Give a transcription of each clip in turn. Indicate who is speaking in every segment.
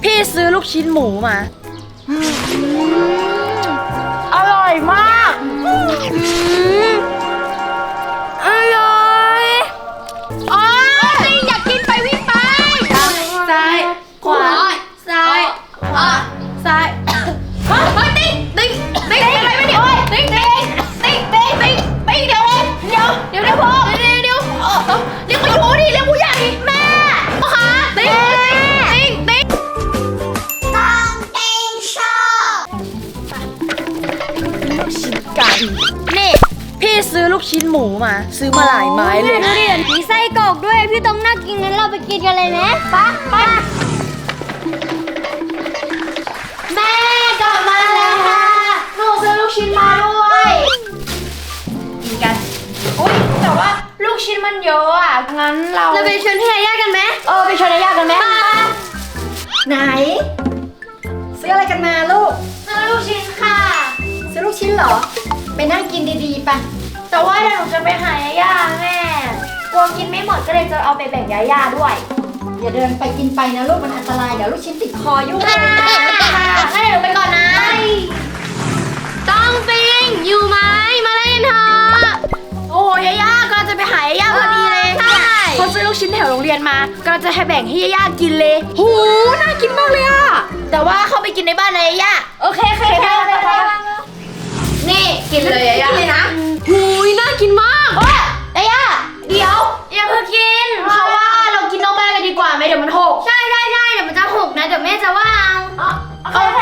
Speaker 1: พี่ซื้อลูกชิ้นหมูมาอร่อยมากอร่อยอ๋ออยากกินไปวิ่งไปซ้ายขวาซ้ายขวาซ้ายเฮ้ยติ๊งอะไรไม่เดี๋ยวติ๊งเดี๋ยวพ่อเดี๋ยวเรียกกูอยู่ดิเรียกกูใหญ่แม่พ่อคะติ๊งลูกชิ้นไก่นี่พี่ซื้อลูกชิ้นหมูมาซื้อมาหลายไม้เลย
Speaker 2: ดูดิมีไส้กรอกด้วยพี่ต้องน่ากินงั้นเราไปกินกันเลยไหมไปแม่กลับมาแล้วค่ะหนูซื้อลูกชิ้นมาด้วย
Speaker 1: กินกันอุ้ยแต่ว่าลูกชิ้นมันเยอะอ่ะงั้นเรา
Speaker 2: ไปชวนพี่ยาย่ากันไหม
Speaker 1: ไปชวนยาย่ากันไหม
Speaker 3: ไหนซื้ออะไรกันมาลูก
Speaker 2: ซื้อลูกชิ้นค่ะ
Speaker 3: ซื้อลูกชิ้นเหรอไปนั่งกินดีๆปะ
Speaker 1: แต่ว่าเดี๋ยวหนูจะไปหายาย่าแม่กลัวกินไม่หมดก็เลยจะเอาไปแบ่งยาย่าด้วย
Speaker 3: อย่าเดินไปกินไปนะลูกมันอันตรายเดี๋ยวลูกชิ้นติดคอยุ่ง
Speaker 1: งั้นเดี๋ยวหนูไปก่อนนะ
Speaker 2: ต้องปิงอยู่ไหมมาเล่นเถอะ
Speaker 1: โอ้ยาย่ากำลังจะไปหายาย่าพอดีเลยเขาซื้อลูกชิ้นแถวโรงเรียนมากำลังจะให้แบ่งให้ยาย่ากินเลยหูน่ากินมากเลยอ่ะแต่ว่าเข้าไปกินในบ้านเลยยาย่า
Speaker 2: โอเค
Speaker 1: นี่กินเลยยาย่าเลยนะ
Speaker 2: หูยน่ากินมาก
Speaker 1: ยาย่าเดี๋ยวอย่าเพิ่งกินเพราะว่าเรากินนอกบ้านกันดีกว่าไหมเดี๋ยวมันหก
Speaker 2: ใช่เดี๋ยวมันจะหกนะเดี๋ยวแม่จะว่า
Speaker 1: โอเค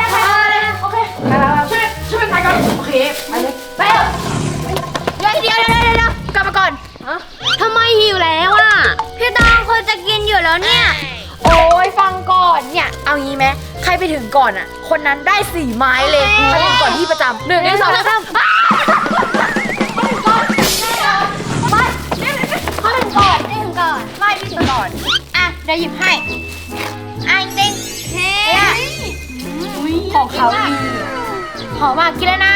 Speaker 1: ช่วยไปก่อนโอเคไปเลยไปเดี๋ยวกลับมาก่อน
Speaker 2: ทำไมหิวแล้วอ่ะพี่ตองคนจะกินอยู่แล้วเนี่ย
Speaker 1: โอ้ยฟังก่อนเนี่ยเอางี้ไหมใครไปถึงก่อนอ่ะคนนั้นได้4 ไม้เลยไปถึงก่อนที่ประจำ1 2 3ไม่ถึงก่อนไม่พี่ถึงก่อนอ่ะเดี๋ยวหยิบให้จริงของเขาดีหอมมากกินแล้วนะ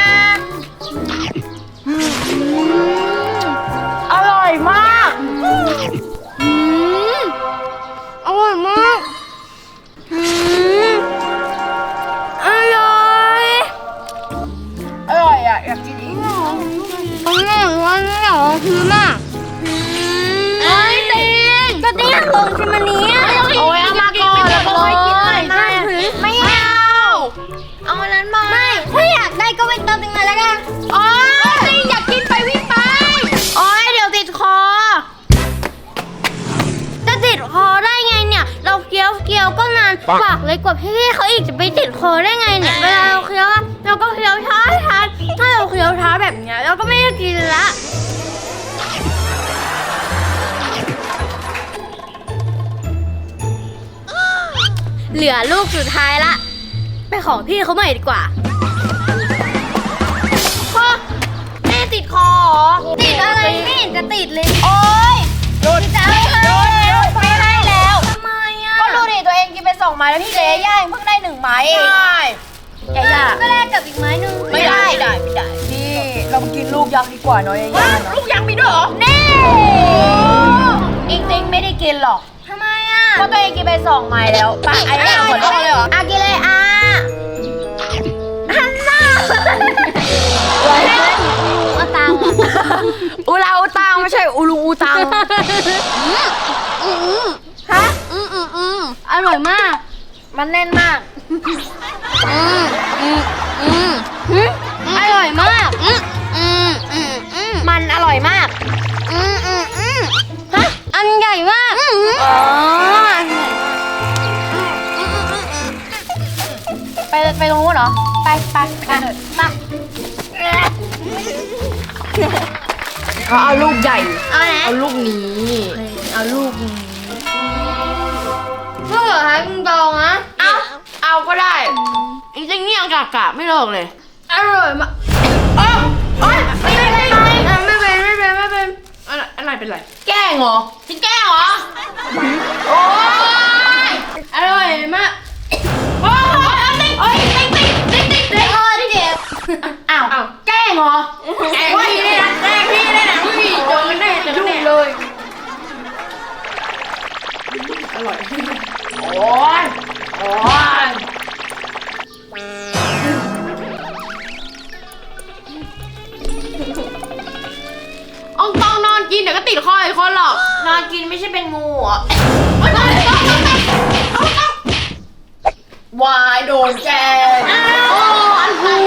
Speaker 1: อร่อยมาก
Speaker 2: อร่อยมาก
Speaker 1: อร่อยอ่ะอยากกินอีก
Speaker 2: วันนี้เหรอคือมากก็ตีนตรงที่มันนี้
Speaker 1: โอ้ยเอามาก่อนแล้วก็ค่อยกินหน่อย
Speaker 2: ไม่เอาอันนั้นมาไม่ถ้าอยากได้ก็ไปเติมตรงนั้นแล้วกัน
Speaker 1: อยากกินไปวิ่งไปโอ้ยเดี๋ยวติดคอ
Speaker 2: จะติดคอได้ไงเนี่ยเราเคี้ยวก็นานปากเลยกว่าพี่เขาอีกจะไปติดคอได้ไงเนี่ยเวลาเราเคี้ยวเราก็เคี้ยวช้าถ้าเราเคี้ยวช้าแบบเนี้ยเราก็ไม่ได้กินละเหลือลูกสุดท้ายละไปขอพี่เขาใหม่ดีกว่า
Speaker 1: แม่ติดคอ
Speaker 2: ติดอะไรไม่เห็นจะติดเลย
Speaker 1: โอ๊ย
Speaker 2: หยุดจะเอา
Speaker 1: เลยไม่ให้แล้ว
Speaker 2: ทำไมอ่ะ
Speaker 1: ก็ดูดิตัวเองกินไป2 ไม้แล้วพี่เจ๊ย่าเพิ่งได้1 ไม้เองใช่ย่า
Speaker 2: ก็แลกกับอีกไม้นึง
Speaker 1: ไม่ได้นี่เรามากินลูกยักษ์ดีกว่าเนาะย่าลูกยักษ์มีด้วยเหรอ
Speaker 2: นี่
Speaker 1: จริงไม่ได้กินหรอก
Speaker 2: ทำไมอ่ะ
Speaker 1: ก็ตัวเองกินไป2 ไม้แล้วป่ะไอ้ย่าหมดเลยเหรอ
Speaker 2: กินเลยฮันน่าอุตัง
Speaker 1: อูลาอูตังไม่ใช่อูลุงอูตังฮะ
Speaker 2: อร่อยมาก
Speaker 1: มันแน่นมาก
Speaker 2: อร่อยมาก
Speaker 1: มันอร่อยมาก
Speaker 2: ฮะอันใหญ่มาก
Speaker 1: ไปตรงนู้นเหรอไปเอาลูกใหญ่เอาลูกนี้เอาลูกนี้
Speaker 2: เพื่อให้คุณตองนะ
Speaker 1: เอาก็ได้จริงๆนี่ยังกะไม่เลิกเลย
Speaker 2: อร่อยมาก
Speaker 1: ไม่เป็นอะไรเป็นไรแกล้งเหรอที่แกล้งเหรอโอ้ย
Speaker 2: อร่อยมาก
Speaker 1: ติ๊กอ้าวแกล้งเหรอแกล้งพี่เลยนะโดนแน่เลยอร่อยโอ้ยดคออีกคนหรอกนอนกินไม่ใช่เป็นงูอ่ะวายโดนแกโอ้อันหู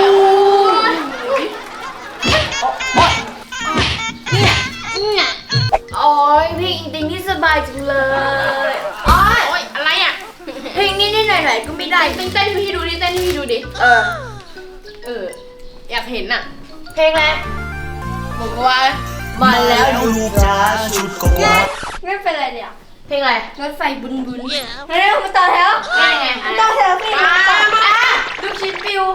Speaker 2: โอ้ยเพลงจริงที่สบายจังเลย
Speaker 1: โอ้ยอะไรอ่ะ
Speaker 2: เพลงนิดๆหน่อยๆก็ไม่ได้
Speaker 1: เต้นให้พี่ดูดิเต้นให้พี่ดูดิอยากเห็นอ่ะ
Speaker 2: เพลงอะไร
Speaker 1: บอกว่า
Speaker 2: มาแล้ว
Speaker 4: ลูกจ้าชุดก็กว่า
Speaker 2: ไม่เป็นไรเนี่ย
Speaker 1: เพลงอะไร
Speaker 2: รถไฟบุนบุนเร็วมาต่อแถว
Speaker 1: เป็นไง
Speaker 2: มาต่อแถวสิ
Speaker 1: ลูกชิ้นปิว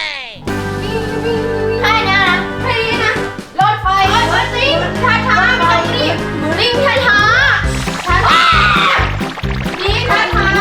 Speaker 2: ใช่นะใช่นะ
Speaker 1: รถไฟติ้งช้าช้าไม่ต้องรีบติ้งช้าช้าช้าช้านี่ช้าช้า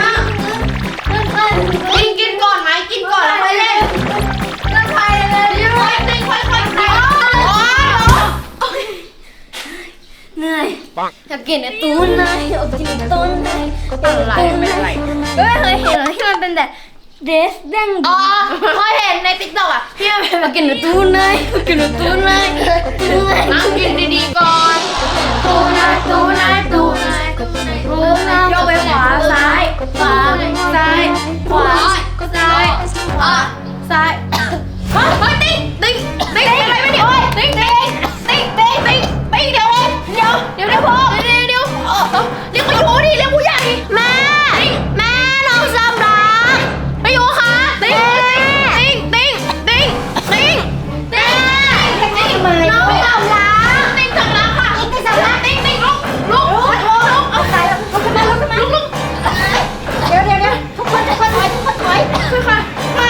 Speaker 1: กินก่อนไหมกินก่อนแล้วค่อยเล่น
Speaker 2: รถไฟเลย
Speaker 1: ค่อยติ้งค่อยค่อยไปโอ้ย
Speaker 2: เหนื่อยอยากกินไอ้ตูนนายอยากกินไอ้ตูนนาย
Speaker 1: อะไรไม่อะไร
Speaker 2: ก็ไม่เคยเห็นเลยที่มันเป็นแบบเดสเด้ง
Speaker 1: อ๋อเคยเห็นในติ๊กต็อกอ่ะที่มันเป็น
Speaker 2: อยากกินไอ้ตูนนายอยากกินไอ้ตูนนายตูนนาย
Speaker 1: นั่งกินดีๆก่อน
Speaker 2: ตูนนายตูนนายตูนนายตูนนายตูนนายโยกไปขวาซ้ายขวาซ้ายขวาซ้ายขวาซ้าย
Speaker 1: เฮ้ยติ้งติ้งติ้งอะไรไม่เดี๋ยวติ้งติ้งติ้งติ้งติ้งติ้งเดี๋ยวพ่อเดี๋ยวเรียกมาอยู่ดิเรียกผู้ใหญ่
Speaker 2: แม่แม่น้องสำรัก
Speaker 1: มาอยู่ค่ะติ้งติ้งติ้งติ้งติ้งติ้งติ้ง
Speaker 2: ทำไม
Speaker 1: น้องสำลักติ้งสำลักค่ะติ้งสำลักติ้งติ้งลุกเอาใส่ลุกขึ้นมาลุก
Speaker 3: เดี๋ยวทุกคนถอย
Speaker 1: คือค่ะค่ะ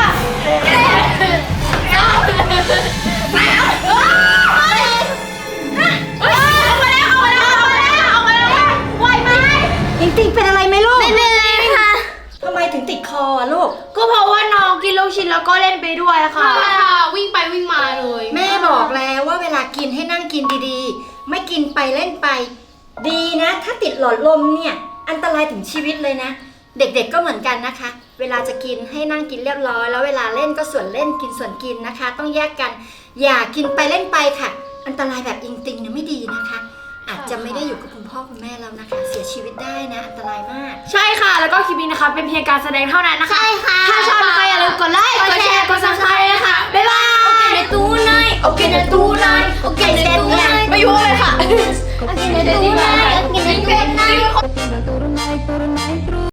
Speaker 1: ไหวไหม
Speaker 3: ติงติงเป็นอะไรไหมลูก
Speaker 2: ไม่เป็นไรค่ะ
Speaker 3: ทำไมถึงติดคออะลูก
Speaker 1: ก็เพราะว่าน้องกินลูกชิ้นแล้วก็เล่นไปด้วยค่ะวิ่งไปวิ่งมาเลย
Speaker 3: แม่บอกแล้วว่าเวลากินให้นั่งกินดีๆ ไม่กินไปเล่นไป ดีนะ ถ้าติดหลอดลมเนี่ย อันตรายถึงชีวิตเลยนะ เด็กๆก็เหมือนกันนะคะ เวลาจะกินให้นั่งกินเรียบร้อย แล้วเวลาเล่นก็ส่วนเล่นกินส่วนกินนะคะ ต้องแยกกัน อย่ากินไปเล่นไปค่ะ อันตรายแบบอิงติงเนี่ยไม่ดีนะคะ อาจจะไม่ได้อยู่กับคุณพ่อคุณแม่แล้วนะคะ เสียชีวิตได้นะ อันตรายมาก
Speaker 1: ใช่ค่ะแล้วก็คลิปนี้นะคะเป็นเพียงการแสดงเท่านั้นนะคะ
Speaker 2: ใช่ค่ะ
Speaker 1: ถ้าชอบนะคะอย่าลืมกดไลค์กดแชร์กด subscribe นะคะบ๊ายบาย
Speaker 2: โอเคในตู้นายโอเคในตู้นายโอเคในตู้นาย
Speaker 1: ไม่ยุ่งเลยค่ะ
Speaker 2: โอเคในตู้นายโอเคในตู้นาย
Speaker 5: Turunay, turunay, turunay,